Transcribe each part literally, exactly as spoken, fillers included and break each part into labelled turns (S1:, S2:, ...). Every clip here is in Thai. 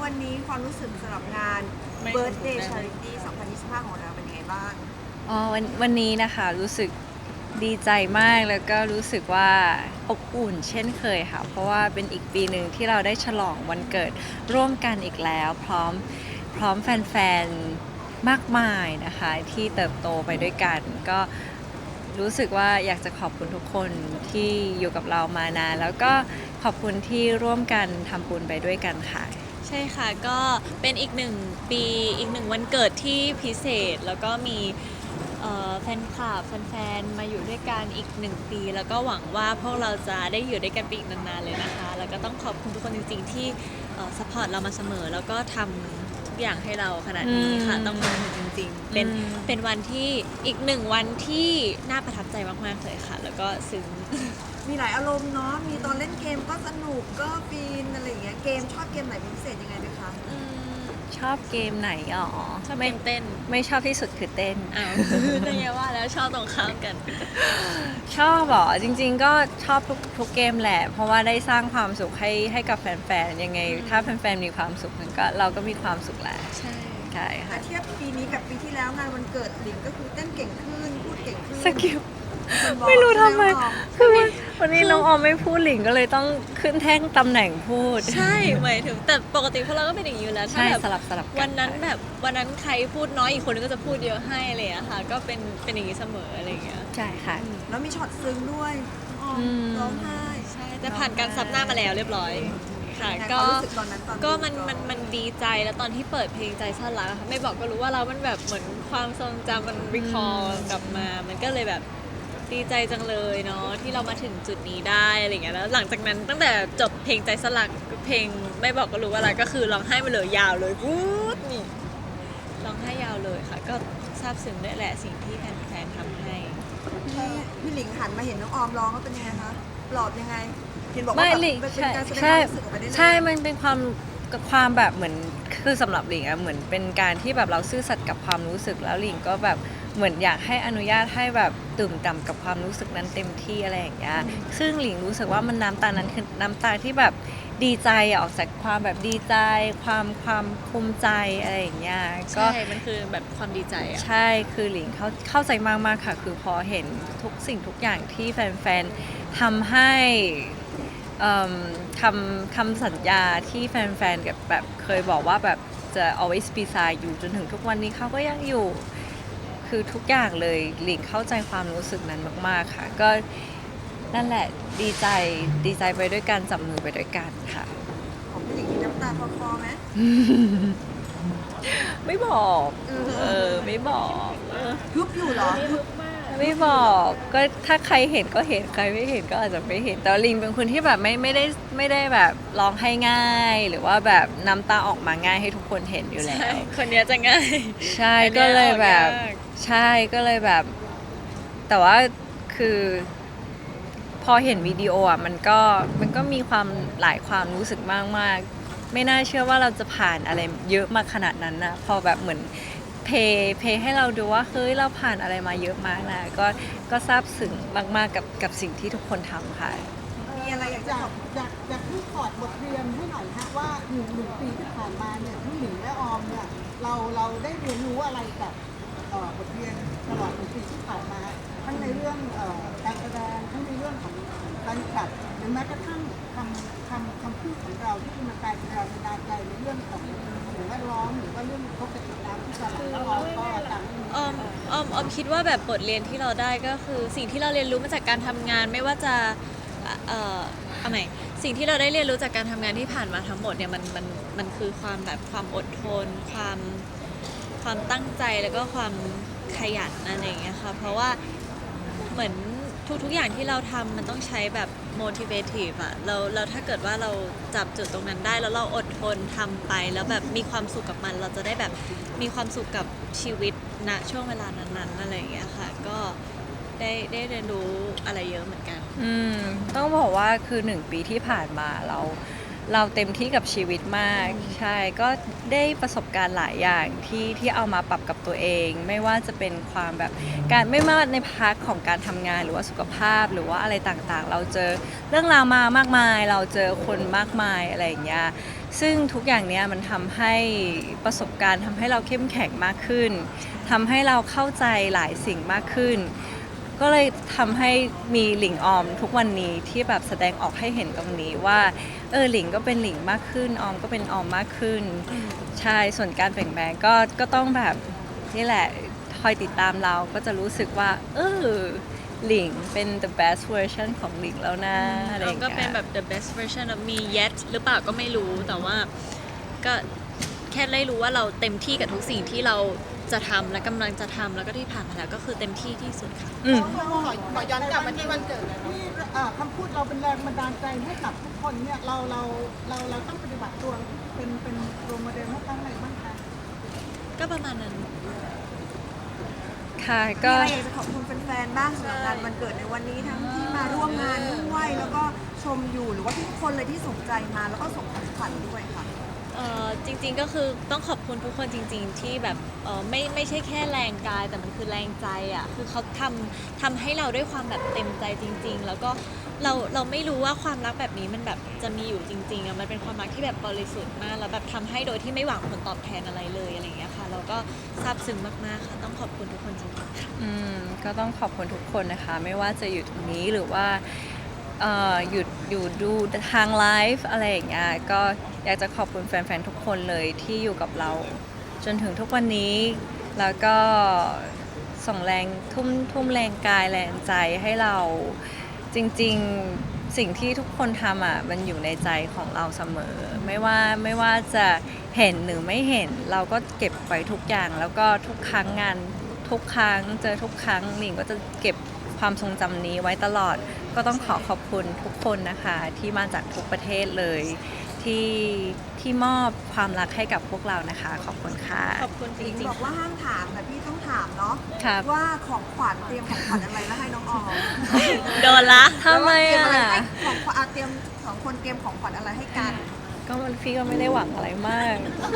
S1: วันนี้ความรู้สึกสำหรับงาน
S2: ไม่
S1: Birthday Charity สองพันยี่สิบห้าของเราเป็นยังไงบ้าง
S3: อ๋อวันวันนี้นะคะรู้สึกดีใจมากแล้วก็รู้สึกว่าอบอุ่นเช่นเคยค่ะ เพราะว่าเป็นอีกปีหนึ่งที่เราได้ฉลองวันเกิดร่วมกันอีกแล้ว พร้อมพร้อมแฟนๆมากมายนะคะที่เติบโตไปด้วยกัน ก็รู้สึกว่าอยากจะขอบคุณทุกคนที่อยู่กับเรามานานแล้วก็ขอบคุณที่ร่วมกันทำบุญไปด้วยกันค่ะ
S2: ใช่ค่ะก็เป็นอีกหนึ่งปีอีกหนึ่งวันเกิดที่พิเศษ แล้วก็มีเอ่อแฟนคลับแฟนๆมาอยู่ด้วยกันอีกหนึ่งปี แล้วก็หวังว่าพวกเราจะได้อยู่ด้วยกันไปอีกนานๆเลยนะคะ แล้วก็ต้องขอบคุณทุกคนจริงๆที่สปอร์ตเรามาเสมอ แล้วก็ทำทุกอย่างให้เราขนาดนี้ค่ะ
S3: อืม
S2: ต้องขอบคุณจริงๆ เป็น
S3: อืม
S2: เป็นวันที่อีกหนึ่งวันที่น่าประทับใจมากๆเลยค่ะ แล้วก็ซึ้ง
S1: มีหลายอารมณ์เนาะ มีตอนเล่นเกมก็สนุกก็ฟินอะไรอย่างเงี้ย เกมชอบเกมไหนเป็นพิเศษยังไงด้วยคะ
S2: อืม
S3: ชอบเกมไหนอ๋อ
S2: ชอบ
S3: ไม่
S2: เต้น
S3: ไม่ชอบที่สุดคือเต้น
S2: อ้าว นั่นไงว่าแล้วชอบตรงข้ามกัน
S3: ชอบเหรอจริงๆก็ชอบทุกทุกเกมแหละ เพราะว่าได้สร้างความสุขให้ให้กับแฟนๆยังไง ถ้าแฟนๆมีความสุขมันก็เราก็มีความสุขแหละ
S2: ใช่
S3: ใช่
S1: แต่
S3: ค่ะ
S1: เทียบปีนี้กับปีที่แล้วงานวันเกิดหลิงก็คือเต้นเก่งขึ้น พูดเก่งขึ้น
S3: สกิล
S1: คนบอก
S3: ไม่รู้ทำไม
S1: ใช่ห
S3: คือวันวันนี้น้องออมไม่พูดหลิงก็เลยต้องขึ้นแท่งตำแหน่งพูด
S2: ใช่หมายถึงแต่ปกติพวกเราก็เป็นอย่างนี้อยู่แล้วถ้า
S3: ใช่
S2: แบบ
S3: สลับสลับกั
S2: วันนั้นแบบวันนั้นใครพูดน้อยอีกคนนึงก็จะพูดเยอะให้อะไรอย่างเงี้ยค่ะ ก็เป็นเป็นอย่างนี้เสมออะไรอย่างเงี้ย
S3: ใช่ค่ะ
S1: แล้วมีช็อตซึ้งด้วยอ๋ออ
S3: ม
S1: ร้องไห้
S2: ใช่แต่ผ่านการซับหน้ามาแล้วเรียบร้อยค่ะ
S1: ยังไง
S2: ก็
S1: ความรู้สึกตอนนั้นตอน
S2: ก็
S1: ดู
S2: มัน
S1: ก่อ
S2: มันมันดีใจแล้วตอนที่เปิดเพลงใจซ่อนรักอะค่ะไม่บอกก็รู้ว่าเรามันแบบเหมือนความทรงจำมันรีคอร์กลับมา มันก็เลยแบบดีใจจังเลยเนาะที่เรามาถึงจุดนี้ได้อะไรอย่างเงี้ยแล้วหลังจากนั้นตั้งแต่จบเพลงใจสลักเพลงไม่บอกก็รู้ว่าอะไรก็คือร้องไห้ไปเลยยาวเลยวูดนี่ร้องไห้ยาวเลยค่ะ ก็ซาบซึ้งด้วยแหละสิ่งที่แฟนๆทำให้
S1: พี่พี่หลิงหันมาเห็นน้องออมร้องแล้วเป็นยังไงคะปลอบยังไง เห็นบอกว่า
S3: ไม่
S1: แบบ
S3: หลิง
S1: เป็น
S3: ใช่
S1: การแสดงค
S3: ใช่
S1: วามรู้สึกออกไปได้เลย
S3: ใช่ มันเป็นความความแบบเหมือนคือสำหรับหลิงอะเหมือนเป็นการที่แบบเราซื่อสัตย์กับความรู้สึกแล้วหลิงก็แบบเหมือนอยากให้อนุญาตให้แบบตื่มต่ำกับความรู้สึกนั้นเต็มที่อะไรอย่างเงี้ยซึ่งหลิงรู้สึกว่ามันน้ำตานั้นคือน้ำตาที่แบบดีใจอะออกจากความแบบดีใจ ความความภูมิใจอะไรอย่างเงี้ยก็
S2: ใช่ มันคือแบบความดีใจอะ
S3: ใช่ คือหลิงเข้าเข้าใจมากๆค่ะ คือพอเห็นทุกสิ่งทุกอย่างที่แฟนๆทำให้เอิ่มคำคำสัญญาที่แฟนๆกับแบบเคยบอกว่าแบบจะ always be side อยู่จนถึงทุกวันนี้เขาก็ยังอยู่ คือทุกอย่างเลยหลิงเข้าใจความรู้สึกนั้นมากๆค่ะ ก็นั่นแหละดีใจดีใจไปด้วยกันจับมือไปด้วยกันค่ะ
S1: ของพี่หลิงมีน้ำตาคลอๆไหม
S3: ไม่บอก
S1: เออ
S3: เออ ไม่บอกเออ
S1: ยุบอยู่เหรอ
S3: ไม่บอกก็ถ้าใครเห็นก็เห็นใครไม่เห็นก็อาจจะไม่เห็นแต่ลิงเป็นคนที่แบบไม่ไม่ได้ไม่ได้แบบร้องให้ง่าย หรือว่าแบบน้ำตาออกมาง่ายให้ทุกคนเห็นอยู่แล้
S2: ใช่
S3: ว
S2: คนเนี้ยจะง่าย
S3: ใช่
S2: อันเนี้ย
S3: ก็เลยแบบ
S2: ออกยาก
S3: ใช่ก็เลยแบบ แต่ว่าคือพอเห็นวิดีโออ่ะมันก็มันก็มีความหลายความรู้สึกมากๆไม่น่าเชื่อว่าเราจะผ่านอะไรเยอะมาขนาดนั้นนะพอแบบเหมือนเพย์เพย์ให้เราดูว่าเฮ้ยเราผ่านอะไรมาเยอะมากนะก็ก็ซาบซึ้งมากๆกับกับสิ่งที่ทุกคนทำค่ะ
S1: มีอะไรอยาก
S4: อ
S1: จะ
S4: ยา
S1: บ
S4: ก
S1: อก
S4: อยากอยากให้ถอดบทเรียนให้หน่อยฮะว่าหนึ่งหนึ่งปีที่ผ่านมาเนี่ยทั้งหลิงและออมเนี่ยเราเราได้เรียนรู้อะไรกับเอ่อบทเรียนตลอดหนึ่งปีที่ผ่านมาทั้งในเรื่องเอ่อการแสดงทั้งในเรื่องของการขับหรือแม้กระทั่งคำคำคำพูดของเราที่มันกลายเป็นแรงบันดาลใจในเรื่องของสิ่งแวดล้อมหรือว่าเรื่องพบกับติดน้ำที่ตลาดแล้วเราก็ตามที่มี
S2: ออมออมออมคิดว่าแบบบทเรียนที่เราได้ก็คือสิ่งที่เราเรียนรู้มาจากการทำงานไม่ว่าจะเอ่อเอาใหม่สิ่งที่เราได้เรียนรู้จากการทำงานที่ผ่านมาทั้งหมดเนี่ยมันมันมันคือความแบบความอดทน ความความตั้งใจแล้วก็ความขยันอะไรอย่างเงี้ยค่ะเพราะว่าเหมือนทุกๆอย่างที่เราทำมันต้องใช้แบบ motivative อะเราเราถ้าเกิดว่าเราจับจุดตรงนั้นได้แล้วเราอดทนทำไปแล้วแบบมีความสุขกับมัน เราจะได้แบบมีความสุขกับชีวิตณช่วงเวลานั้นๆอะไรอย่างเงี้ยค่ะก็ได้ได้เรียนรู้อะไรเยอะเหมือนกัน
S3: อืมต้องบอกว่าคือหนึ่งปีที่ผ่านมาเราเราเต็มที่กับชีวิตมากใช่ก็ได้ประสบการณ์หลายอย่างที่ที่เอามาปรับกับตัวเอง ไม่ว่าจะเป็นความแบบการไม่ว่าในพาร์ทของการทำงานหรือว่าสุขภาพหรือว่าอะไรต่างๆ เราเจอเรื่องราวมามากมาย เราเจอคนมากมายอะไรอย่างเงี้ยซึ่งทุกอย่างเนี้ยมันทำให้ประสบการณ์ทำให้เราเข้มแข็งมากขึ้นทำให้เราเข้าใจหลายสิ่งมากขึ้น ก็เลยทำให้มีหลิงออมทุกวันนี้ที่แบบแสดงออกให้เห็นตรงนี้ว่าเออหลิงก็เป็นหลิงมากขึ้นออมก็เป็นออมมากขึ้นใช่ส่วนการเปลี่ยนแปลงก็ก็ต้องแบบนี่แหละคอยติดตามเราก็จะรู้สึกว่าเออหลิงเป็น the best version ของหลิงแล้วนะอะไรอ
S2: เรา
S3: ย่าง
S2: ก็
S3: เงี้
S2: เป็น
S3: ย
S2: แบบ the best version of me yet หรือเปล่าก็ไม่รู้แต่ว่าก็แค่ได้รู้ว่าเราเต็มที่กับทุกสิ่งที่เราจะทำและกำลังจะทำแล้วก็ที่ผ่านมาแล้วก็คือเต็มที่ที่สุดค่ะ
S3: อืม
S4: ขอขอย้อนกลับมาที่วันเกิดที่เอ่อคำพูดเราเป็นแรงบันดาลใจให้กับทุกคนเนี่ยเราเราเราเราต้องปฏิบัติตัวเป็นเป็นโรลโมเดลให้ตั้งอะไรบ้างคะ
S2: ก็ประมาณนั้น
S3: ค่ะ
S1: มี
S3: ก็
S1: อะไรอยากจะขอบคุณแฟนๆบ้างสำหรับงานวันเกิดในวันนี้ทั้งที่มาร่วมงานด้วยแล้วก็ชมอยู่หรือว่าทุกคนเลยที่สนใจมาแล้วก็ส่งของขวัญด้วยค่ะ
S2: เอ่อจริงๆก็คือต้องขอบคุณทุกคนจริง ๆ ที่แบบเอ่อไม่ไม่ใช่แค่แรงกายแต่มันคือแรงใจอ่ะคือเขาทำทำให้เราด้วยความแบบเต็มใจจริง ๆ แล้วก็เราเราไม่รู้ว่าความรักแบบนี้มันแบบจะมีอยู่จริงๆอ่ะมันเป็นความรักที่แบบบริสุทธิ์มากแล้วแบบทำให้โดยที่ไม่หวังผลตอบแทนอะไรเลยอะไรอย่างเงี้ยค่ะเราก็ซาบซึ้งมากๆค่ะต้องขอบคุณทุกคนจริงๆค่ะ
S3: อืมก็ต้องขอบคุณทุกคนนะคะ ไม่ว่าจะอยู่ตรงนี้หรือว่าเอ่อหยุดอยู่ดูทางไลฟ์อะไรอย่างเงี้ยก็อยากจะขอบคุณแฟนๆ ทุกคนเลยที่อยู่กับเรา จนถึงทุกวันนี้ แล้วก็ส่งแรงทุ่มทุ่มแรงกายแรงใจให้เราจริงๆสิ่งที่ทุกคนทำอ่ะมันอยู่ในใจของเราเสมอ ไม่ว่าไม่ว่าจะเห็นหรือไม่เห็นเราก็เก็บไว้ทุกอย่าง แล้วก็ทุกครั้งงาน ทุกครั้งเจอทุกครั้งหลิงก็จะเก็บความทรงจำนี้ไว้ตลอด ก็ต้องขอขอบคุณทุกคนนะคะ ที่มาจากทุกประเทศเลย ที่ที่มอบความรักให้กับพวกเรานะคะ ขอบคุณค่ะ
S2: ขอบคุณจ
S1: หญิง
S2: ริง
S1: บอกว่าห้ามถามแต่พี่ต้องถามเนาะ
S3: ครับ
S1: ว่าของขวัญเตรียมของขวัญอะไรแล้วให้น้องออม
S2: ๆโดนละ
S3: ทำไม
S1: เตรีย
S3: อ่ะ
S1: อะไรให้ของขวัญอ่ะเตรียมสองคนเตรียมของขวัญอะไรให้กัน
S3: ก็มันพี่ก็ไม่ได้หวังอะไรมาก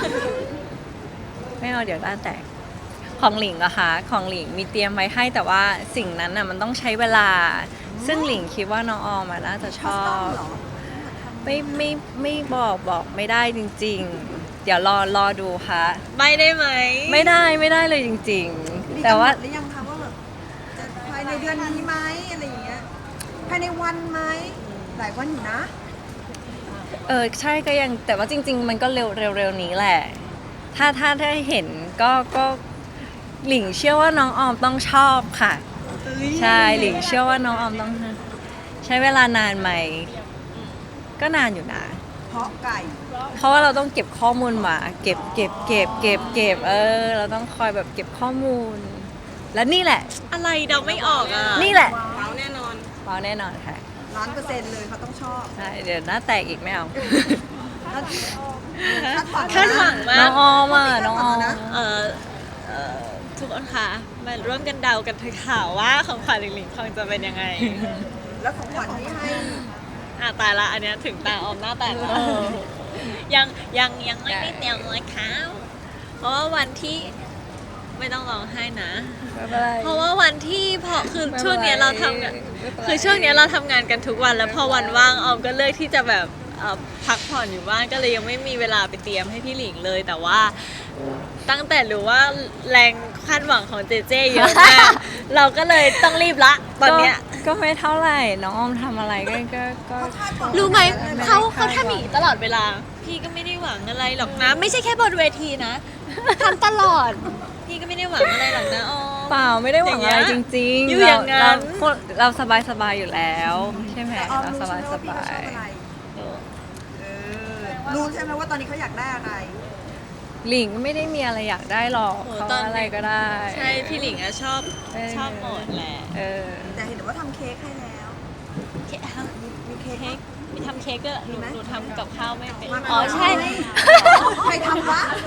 S3: ไม่เอาเดี๋ยวด้านแตกของหลิงอะคะของหลิงมีเตรียมไว้ให้แต่ว่าสิ่งนั้นน่ะมันต้องใช้เวลา ซึ่งหลิงคิดว่าน้องออมอะน่าจะชอบ
S1: เหรอ
S3: ไม่ไม่ไม่บอกบอกไม่ได้จริง ๆ เดี๋ยวรอรอดูค่ะ
S2: ไม่ได้ไหม
S3: ไม่ได้ไม่ได้เลยจริง
S1: มี
S3: ๆ แต่ว่า
S1: กำหนดหรือยังคะว่าแบบจะภายในเดือนนี้ไหมอะไรอย่างเงี้ยภายในวันไหมหลายวันอยู่นะ
S3: เออใช่ก็ยังแต่ว่าจริง ๆ มันก็เร็วเร็วเร็วนี้แหละ ถ้าถ้าถ้าเห็นก็ก็หลิงเชื่อว่าน้องออมต้องชอบค่ะ ใช่หลิงเชื่อว่าน้องออมต้องใช้เวลานานไหม ก็นานอยู่นะ
S1: เพราะไก่
S3: เพราะว่าเราต้องเก็บข้อมูลมา เก็บเก็บเก็บเก็บเก็บเออ เราต้องคอยแบบเก็บข้อมูล และนี่แหละ
S2: อะไรเดาไม่ออกอ่ะ
S3: นี่แหละ
S1: ว้าวแน่นอน
S3: ว้าวแน่นอนค่ะ
S1: ล้านเปอร์เซ็นต์เลยเขาต้องชอบ
S3: ใช่เดี๋ยวหน้าแตกอีกไม่เอา
S1: แล้วคาดหวัง
S2: คาดหวังมา
S3: น้อก งออมอ่ะน้องออม
S2: เอ่อเอ่อทุกคนคะมาร่วมกันเดากันเถอะค่ะว่าของขวัญหลิงๆคงจะเป็นยังไง
S1: แล้วของขวัญที่ให้
S2: อ่ะตายละอันเนี้ยถึงตาออมหน้าแตกแล้วยังยังยังไม่ได้เตรียมเลยค่ะเพราะว่าวันที่ไม่ต้องร้องไห้นะ
S3: ไม่เป็นไร
S2: เพราะว่าวันที่พอคือ
S3: ไม่เป็นไร
S2: ช่วงเนี้ยเราทำงาน
S3: ไม่เป็นไร
S2: คือช่วงเนี้ยเราทำงานกันทุกวันแล้วพอวันว่างออมก็เลือกที่จะแบบเอ่อพักผ่อนอยู่บ้านก็เลยยังไม่มีเวลาไปเตรียมให้พี่หลิงเลย แต่ว่าตั้งแต่รู้ว่าแรงคาดหวังของเจเจเยอะมาก เราก็เลยต้องรีบละตอนเนี้ย
S3: ก็ก็ไม่เท่าไหร่ น้องออมทำอะไรก็ก็ก็
S1: คาดหวัง
S2: รู้ไหม
S3: ไม่ได้
S2: เขา
S3: คาดหวัง
S2: เขาทำอย่างนี้ตลอดเวลา พี่ก็ไม่ได้หวังอะไรหรอกนะ ไม่ใช่แค่บนเวทีนะทำตลอด พี่ก็ไม่ได้หวังอะไรหรอกนะอ๋อ
S3: เปล่าไม่ได้หวังอะไรจริงๆ
S2: อยู่อย่างนั้น
S3: เราเราสบายสบายๆอยู่แล้ว ใช่ไหม
S1: แต่ออม
S3: เรา
S1: รู้
S3: ส
S1: ใช่
S3: บาย
S1: ไหม
S3: ส
S1: ว่าพี่
S3: บา
S1: เขาชอบ
S3: ย
S1: อะไรเออรู้ใช่ไหมว่าตอนนี้เขาอยากได้อะไร
S3: หลิงไม่ได้มีอะไรอยากได้หรอก
S2: โห
S3: เขา
S2: ตอน
S3: อะไรก็ได้
S2: ใช่พี่หลิงอะชอบ
S3: เออ
S2: ชอบหมดแหละ
S3: เออ
S1: แต่เห็นว่าทำเค้กให้แล้ว
S2: เค้กฮะ
S1: มีมีเค้ก
S2: เค้กมีทำเค้กก็หนู
S1: มีไหม
S2: หนูทำกับข้าวไม่เป็น
S1: มา
S2: อ๋อใช่
S1: ใครทำวะ
S2: แบ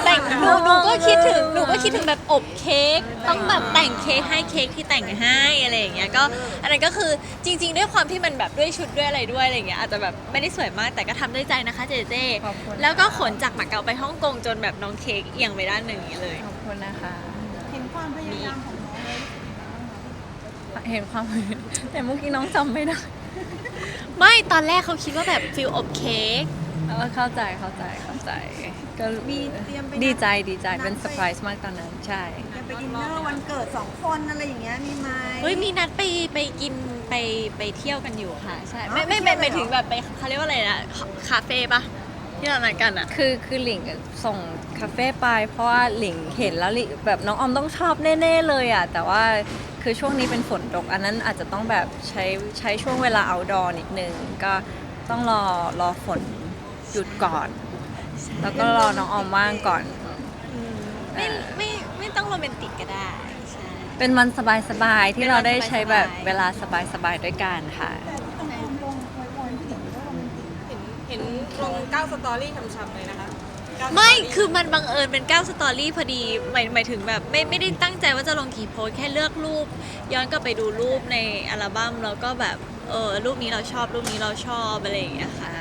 S2: แต่งหนูหนูก็คิดถึงหนูก็คิดถึงแบบอบเค้กต้องแบบแต่งเค้กให้เค้กที่แต่งให้อะไรอย่างเงี้ยก็อันนั้นก็คือจริง ๆ ด้วยความที่มันแบบด้วยชุดด้วยอะไรด้วยอะไรอย่างเงี้ยอาจจะแบบไม่ได้สวยมากแต่ก็ทำด้วยใจนะคะเจเจ
S3: ขอบคุณ
S2: แล้วก็ขนจากมาเก๊าไปฮ่องกงจนแบบน้องเค้กเอียงไปด้านหนึ่งอย่างนี้เลย
S3: ขอบคุณนะคะ
S4: เห็นความพยายามของน้องเลย
S3: เห็นความ แต่เมื่อกี้น้องจำไม่ได้
S2: ไม่ตอนแรกเขาคิดว่าแบบฟิลอบเค้ก
S3: เออเข้าใจเข้าใจเข้าใจก็
S1: มีเตรียมไป
S3: ดีใจดีใจ
S1: นัด
S3: เป็น
S1: ไป
S3: เซอร์ไพรส์มากตอนนั้นใช่
S1: จะไปดินเนอร์วันเกิดสองคนอะไรอย่างเงี้ยมีไหม
S2: เฮ้ยมีนัดไปไปกินไปไปเที่ยวกันอยู่ค่ะใช่
S1: อ๋อ
S2: ไม่ไม่
S1: ไป
S2: ไม่
S1: เที่ยวเลยเหรอ
S2: ไม่ถึงแบบไปเขาเรียกว่าอะไรนะคาเฟ่ปะที่เรานัดกันอะ
S3: คือคือหลิงส่งคาเฟ่ไปเพราะว่าหลิงเห็นแล้วหลิงแบบน้องออมต้องชอบแน่ๆเลยอ่ะแต่ว่าคือช่วงนี้เป็นฝนตกอันนั้นอาจจะต้องแบบใช้ใช้ช่วงเวลา outdoor นิดนึงก็ต้องรอรอฝนหยุดก่อน แล้วก็รอน้องออมว่างก่อน
S2: ไม่ไม่ไม่ต้องโรแมนติกก็ได้ใช่
S3: เป็นวันสบายๆที่เราได้ใช้แบบ
S2: เป็นวันสบายๆ
S3: เวลาสบายๆด้วยกันค่ะ
S4: ต้องลงลงคอยคอยผู้หญิงก็โรแมนติกนะ
S5: เห็นเห็นลงเก้าสตอรี่ช้ำๆเลยนะคะเก้าสตอรี่
S2: ไม่คือมันบังเอิญเป็นเก้าสตอรี่พอดีหมายหมายถึงแบบไม่ไม่ได้ตั้งใจว่าจะลงกี่โพสต์แค่เลือกรูป ย้อนกลับไปดูรูปในอัลบั้มแล้วก็แบบเออรูปนี้เราชอบรูปนี้เราชอบอะไรอย่างเงี้ยค่ะ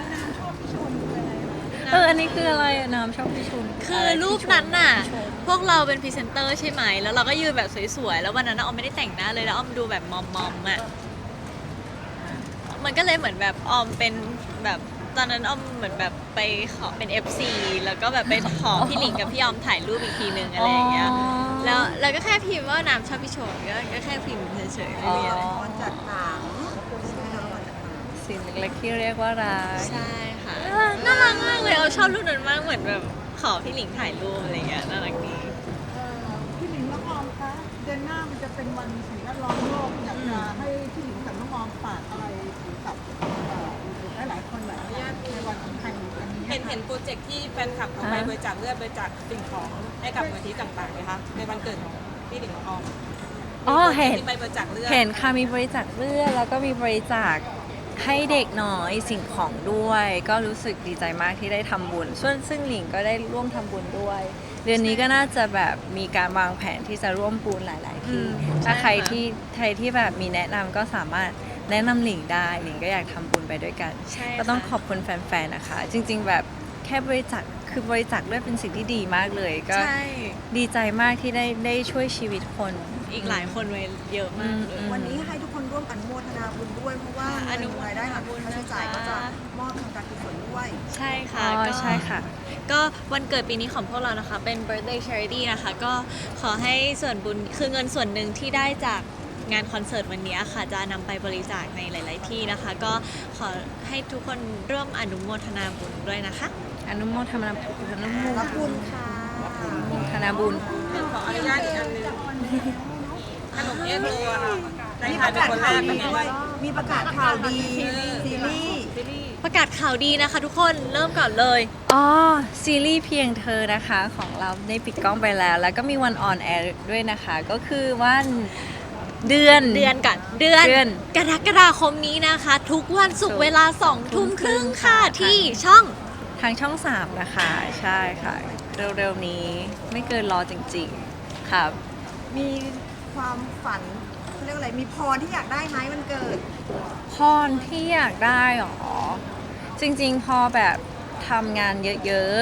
S3: เอออันนี้คืออะไรอะน้ำชอบพี่ชุน
S2: คือรูปนั้นน่ะ พวกเราเป็นพรีเซนเตอร์ใช่ไหม แล้วเราก็ยืนแบบสวยๆ แล้ววันนั้นน่ะออมไม่ได้แต่งหน้าเลย แล้วออมดูแบบมอมๆอ่ะ มันก็เลยเหมือนแบบออมเป็นแบบตอนนั้นออมเหมือนแบบไปขอเป็น เอฟ ซี แล้วก็แบบไปขอพี่หลิงกับพี่ออมถ่ายรูปอีกทีนึงอะไรอย่างเงี้ย แล้วแล้วก็แค่พิมพ์ว่าน้ำชอบพี่โชนก็ก็แค่พิมพ์เฉยๆไม่มีอะไร
S1: วันจากหนังใช่ไหมคะวันจากหนัง
S3: สิ่งเล็กๆที่เรียกว่ารัก
S2: ใช่ค่ะ น่ารักมากเลยเอาชอบรูปนั้นมากเหมือนแบบขอพี่หลิงถ่ายรูปอะไรเงี้ยน่ารักดี
S4: เอ่อพี่หลิงน้องออมคะเดือนหน้ามันจะเป็นวันสิ่งแวดล้อมโลกอยากจะให้พี่หลิงกับน้องออมฝากอะไรถึงกับเอ่อหลายๆคนหลายๆในวันสำคัญอันนี้
S5: เห็นเห็นโปรเจกต์ที่แฟนคลับเขาไป
S3: อ่า
S5: บริจาคเลือดบริจาคสิ่งของให้กับมูลที่ต่างๆนะคะในวันเกิดของพี่หลิงของออม
S3: อ๋อเห็น
S5: ที่ไปบริจาคเลือด
S3: เห็นค่ะมีบริจาคเลือดแล้วก็มีบริจาคให้เด็กน้อยสิ่งของด้วย ก็รู้สึกดีใจมากที่ได้ทำบุญส่วนซึ่งหลิงก็ได้ร่วมทำบุญด้วย เดือนนี้ก็น่าจะแบบมีการวางแผนที่จะร่วมบุญหลาย ๆ ที่
S2: อืม
S3: ถ้า
S2: ใช่
S3: ใคร
S2: ค่ะ
S3: ที่ใครที่แบบมีแนะนำก็สามารถแนะนำหลิงได้หลิงก็อยากทำบุญไปด้วยกัน
S2: ใช่
S3: ก็ต้อง
S2: ค่ะ
S3: ขอบคุณแฟน ๆ นะคะ จริง ๆ แบบแค่บริจาคคือบริจาคเลือดเป็นสิ่งที่ดีมากเลย ก็
S2: ใช่
S3: ดีใจมากที่ได้ได้ช่วยชีวิตคน
S2: อีกหลายคนไว้เยอะมากเลย
S3: อืม
S1: วันนี้ให้ทุกคนร่วมอนุโมทนาบุญด้วยเพราะว่า
S2: อนุโมทนา
S1: รายได้หัก
S2: บุญ
S1: ค่าใช้จ่าย
S2: นะคะ
S1: ก็จะมอบทางการกุศลด้วย
S2: ใช่ค่ะ
S3: อ๋อ
S2: ก็
S3: ใช่ค่ะ
S2: ก็วันเกิดปีนี้ของพวกเรานะคะ เป็น birthday charity นะคะ ก็ขอให้ส่วนบุญคือเงินส่วนหนึ่งที่ได้จากงานคอนเสิร์ตวันนี้ค่ะ จะนำไปบริจาคในหลาย ๆ ที่นะคะ ก็ขอให้ทุกคนร่วมอนุโมทนาบุญด้วยนะคะ
S3: อนุโมทนาบุญอนุโม
S1: รับบุญค่ะ
S3: ทนาบุญ
S5: ขออนุญาตอีกอันหนึงขนมเอ็นโรค่ะได้
S1: มี
S5: ทา
S1: ป
S5: น
S1: ระ
S5: เป็น
S1: กาศ
S5: คนแร
S1: ข่าว
S5: ก
S1: ดี
S5: เป็นไง
S1: ด้วย มีประกาศข่าวดีซีรีส์
S5: ซีรีส์
S2: ประกาศข่าวดีนะคะ ทุกคนเริ่มก่อนเลย
S3: อ๋อ ซีรีส์เพียงเธอนะคะของเราได้ปิดกล้องไปแล้ว แล้วก็มีวันออนแอร์ด้วยนะคะ ก็คือวันเดือน
S2: เดือนก่อนเดือน
S3: เดือน
S2: กรกฎาคมนี้นะคะ ทุกวันศุก
S3: ศุกร์
S2: ร์เวลาสองทุ่มครึ่งค่ะ
S3: ค่ะ
S2: ที่ช่อง
S3: ทางช่องสามนะคะ ใช่ค่ะ เร็วๆนี้ไม่เกินรอจริงๆ ครับ
S1: มีความฝันเขาเรียกอะไรมีพรที่อยากได้ไหมวันเกิด
S3: พรที่อยากได้หรอ จริงๆ พอแบบทำงานเยอะ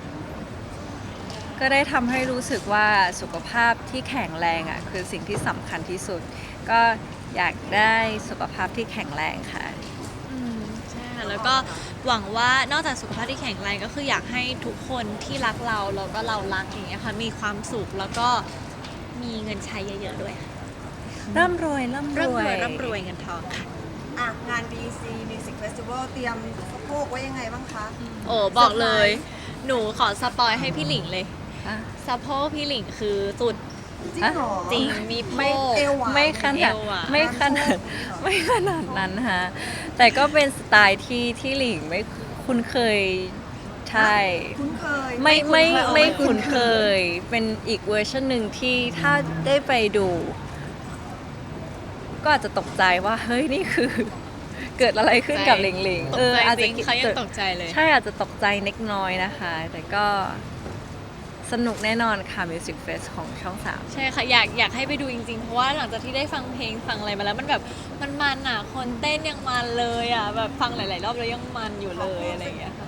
S3: ๆ ก็ได้ทำให้รู้สึกว่าสุขภาพที่แข็งแรงอ่ะคือสิ่งที่สำคัญที่สุด ก็อยากได้สุขภาพที่แข็งแรงค่ะ
S2: อืมใช่ค่ะแล้วก็หวังว่านอกจากสุขภาพที่แข็งแรงก็คืออยากให้ทุกคนที่รักเราแล้วก็เรารักอย่างเงี้ยค่ะมีความสุขแล้วก็มีเงินใช้เยอะๆด้วยค่ะ
S3: ร่ำรวยร่ำร
S2: ร่ำร
S3: ว
S2: วย
S3: ย
S2: ร่ำรวยเงินทองค่ะ
S1: อ่ะ งาน บี ซี Music Festival เตรียมสะโพกไว้ยังไงบ้างคะ
S2: โอ้บอกเลย หนูขอสปอยให้พี่หลิงเลย
S3: อ่ะ
S2: สะโพกพี่หลิงคือสุด
S1: จริงเหรอ
S2: จริงมีโพ
S1: ไม่
S2: ก
S1: เอวหวาน
S3: ไม่ขนาด
S2: เอวอะ
S3: ไม่ขนาดไม่ขนาดนั้นฮะแต่ก็เป็นสไตล์ที่ที่หลิงไม่คุ้นเคยใช่
S1: คุ้นเคย
S3: ไม่ไม่
S1: เคย
S3: ไม่คุ้นเคย เป็นอีกเวอร์ชันหนึ่งที่ถ้าได้ไปดู ก็อาจจะตกใจว่า เฮ้ย นี่คือ เกิดอะไรขึ้นกับหลิงหลิง
S2: ตกใจ
S3: อาจ
S2: จ
S3: จะ
S2: ริงเขายังตกใจเลย
S3: ใช่อาจจะตกใจเล็กน้อยนะคะ แต่ก็สนุกแน่นอนค่ะ Music Fest ของช่องสาม
S2: ใช่ค่ะอยากอยากให้ไปดูจริงๆ เพราะว่าหลังจากที่ได้ฟังเพลงฟังอะไรมาแล้วมันแบบมันมันอ่ะคนเต้นยังมันเลยอ่ะแบบฟังหลายๆรอบแล้วยังมันอยู่เลยอะไรอย่างเงี้ยค่ะ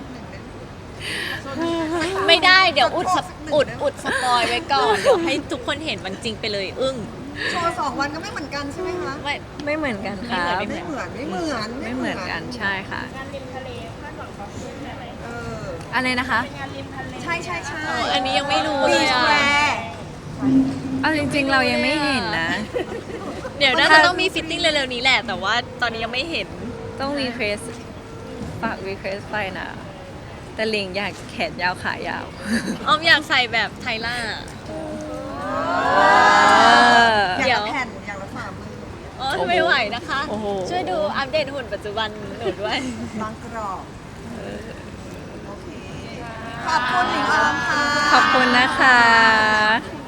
S2: ไม่ได้เดี๋ยวอุดสปอุดอุดสปอยไว้ก่อนเดี๋ยวให้ทุกคนเห็นมันจริงไปเลยอึ้ง
S1: โชว์สองวันก็ไม่เหมือนกันใช่ไหมคะ
S2: ไม่
S3: ไม่เหมือนกันครับ
S2: ไม่
S1: ไม่
S2: เห
S1: เห
S2: มื
S1: มื
S2: อ
S1: อน นไม่เหมือน
S3: ไม่เหมือนกันใช่ค่ะ
S1: เออ
S3: อะไรนะคะ
S1: ใช่ใช่ใช่
S2: เอออันนี้ยังไม่รู้
S1: บี
S2: เลย
S1: ช
S2: อ่ะ
S1: แวร์
S3: เอาจริงๆ เรายังไม่เห็นนะ
S2: เดี๋ยวน่าจะต้องมีฟิตติ้งเร็วๆนี้แหละ แต่ว่าตอนนี้ยังไม่เห็น
S3: ต้องรีเควสฝากรีเควสไปนะ แต่หลิงอยากแขนยาวขายาว
S2: ออมอยากใส่แบบไทล่า
S1: อยาก
S2: เดี๋ยว
S1: ละแผ่นอยากละฝ่ามือ
S2: อ๋อไม่ไหวนะคะ
S3: โอ้โห
S2: ช่วยดูอัปเดตหุ่นปัจจุบันหนูด้วย
S1: บางกรอบโอเคขอบคุณหลิงออมค่ะ
S3: ขอบคุณนะคะ